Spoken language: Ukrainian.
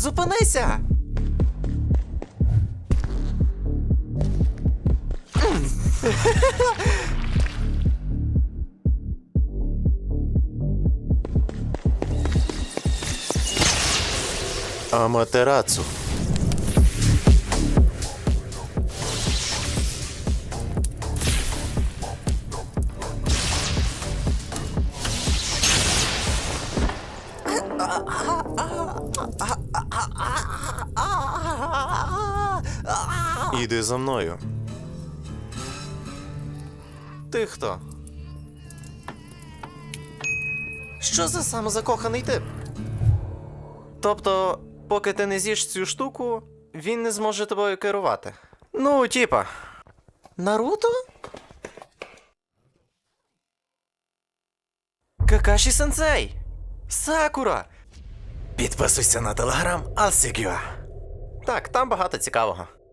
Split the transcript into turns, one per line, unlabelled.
Зупинися! Аматерацу. Іди за мною. Ти хто? Що за самозакоханий тип? Тобто, поки ти не з'їш цю штуку, він не зможе тобою керувати. Ну, типа. Наруто? Какаші-сенсей! Сакура! Підписуйся на телеграм Алсігюа. Так, там багато цікавого.